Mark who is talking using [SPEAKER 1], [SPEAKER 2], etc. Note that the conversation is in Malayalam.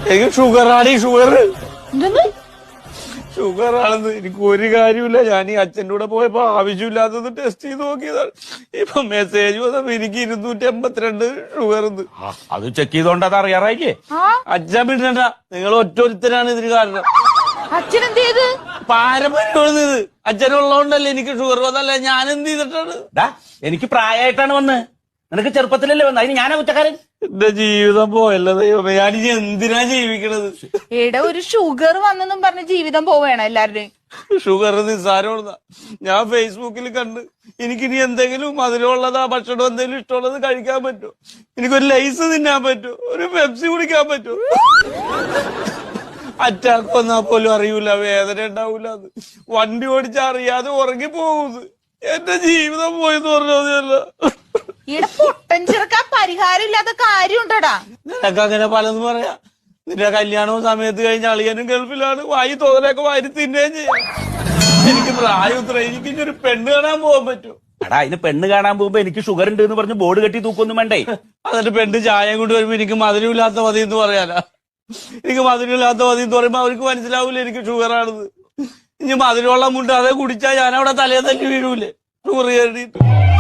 [SPEAKER 1] എനിക്ക് ഷുഗറാണ്. ഷുഗർ
[SPEAKER 2] എന്തെന്ന്?
[SPEAKER 1] ഷുഗർ ആണെന്ന് എനിക്ക് ഒരു കാര്യമില്ല. ഞാൻ ഈ അച്ഛൻ്റെ കൂടെ പോയപ്പോ ആവശ്യമില്ലാത്തത് ടെസ്റ്റ് ചെയ്ത് നോക്കിയതാണ്. ഇപ്പൊ മെസ്സേജ് വന്നപ്പോ എനിക്ക് 282 ഷുഗർ.
[SPEAKER 3] അത് ചെക്ക് ചെയ്തോണ്ട് അത് അറിയാറായില്ലേ?
[SPEAKER 1] അച്ഛൻ പിന്നണ്ട, നിങ്ങൾ ഒറ്റൊരുത്തരാണ് ഇതിന് കാരണം.
[SPEAKER 2] അച്ഛൻ എന്ത് ചെയ്ത്?
[SPEAKER 1] പാരമ്പര്യമാണ് ഇത്. അച്ഛനുള്ളതുകൊണ്ടല്ലേ എനിക്ക് ഷുഗർ വന്നല്ല. ഞാൻ എന്ത് ചെയ്തിട്ടാണ്?
[SPEAKER 3] എനിക്ക് പ്രായമായിട്ടാണ് വന്ന്. നിനക്ക് ചെറുപ്പത്തിലല്ലേ വന്നത്? അതിന് ഞാനാ കുറ്റക്കാരൻ?
[SPEAKER 1] എന്റെ ജീവിതം പോയല്ലോ ദൈവമേ. ഞാനിനി എന്തിനാ ജീവിക്കണത്?
[SPEAKER 2] എടാ, ഒരു ഷുഗർ വന്നെന്നും പറഞ്ഞ് ജീവിതം പോവേണം എല്ലാവരുടെയും.
[SPEAKER 1] ഷുഗർ നിസ്സാരമുള്ളതാ. ഞാൻ ഫേസ്ബുക്കിൽ കണ്ട് എനിക്കിനി എന്തെങ്കിലും മധുരമുള്ളതാ ഭക്ഷണം എന്തെങ്കിലും ഇഷ്ടമുള്ളത് കഴിക്കാൻ പറ്റുമോ? എനിക്കൊരു ലൈസ് തിന്നാൻ പറ്റുമോ? ഒരു പെപ്സി കുടിക്കാൻ പറ്റുമോ? അറ്റാക്ക് വന്നാ പോലും അറിയൂല, വേദന ഉണ്ടാവൂല. അത് വണ്ടി ഓടിച്ചാ അറിയാതെ ഉറങ്ങി പോകുന്നത്. എന്റെ ജീവിതം പോയെന്ന് പറഞ്ഞതല്ല.
[SPEAKER 2] ഇവിടെ പൊട്ടൻ ചെറുക്കാൻ പരിഹാരം ഇല്ലാത്ത കാര്യമുണ്ടടാ.
[SPEAKER 1] നിനക്ക് അങ്ങനെ പലതും പറയാ. നിന്റെ കല്യാണവും സമയത്ത് കഴിഞ്ഞ അളിയനും ഗൾഫിലാണ്. വായി തോന്നലൊക്കെ വാരി തിന്നുകയും ചെയ്യാം. എനിക്ക് പ്രായം ഇത്ര. എനിക്ക് ഇനി ഒരു പെണ്ണ് കാണാൻ പോകാൻ പറ്റുമോ?
[SPEAKER 3] എടാ, അതിന് പെണ്ണ് കാണാൻ പോകുമ്പോ എനിക്ക് ഷുഗർ ഉണ്ട് എന്ന് പറഞ്ഞ് ബോർഡ് കെട്ടി തൂക്കൊന്നും വേണ്ടേ?
[SPEAKER 1] എന്നിട്ട് പെണ്ണ് ചായ കൊണ്ട് വരുമ്പോ എനിക്ക് മധുരമില്ലാത്ത മതി എന്ന് പറയാനാ? എനിക്ക് മധുരമില്ലാത്ത മതി എന്ന് പറയുമ്പോ അവർക്ക് മനസ്സിലാവൂല എനിക്ക് ഷുഗർ ആണെന്ന്. ഇനി മധുരമുള്ള മുണ്ട് അതേ കുടിച്ചാൽ ഞാൻ അവിടെ തലേ തല്ലി വീഴൂലേ ഷുഗർ കയറിയിട്ട്?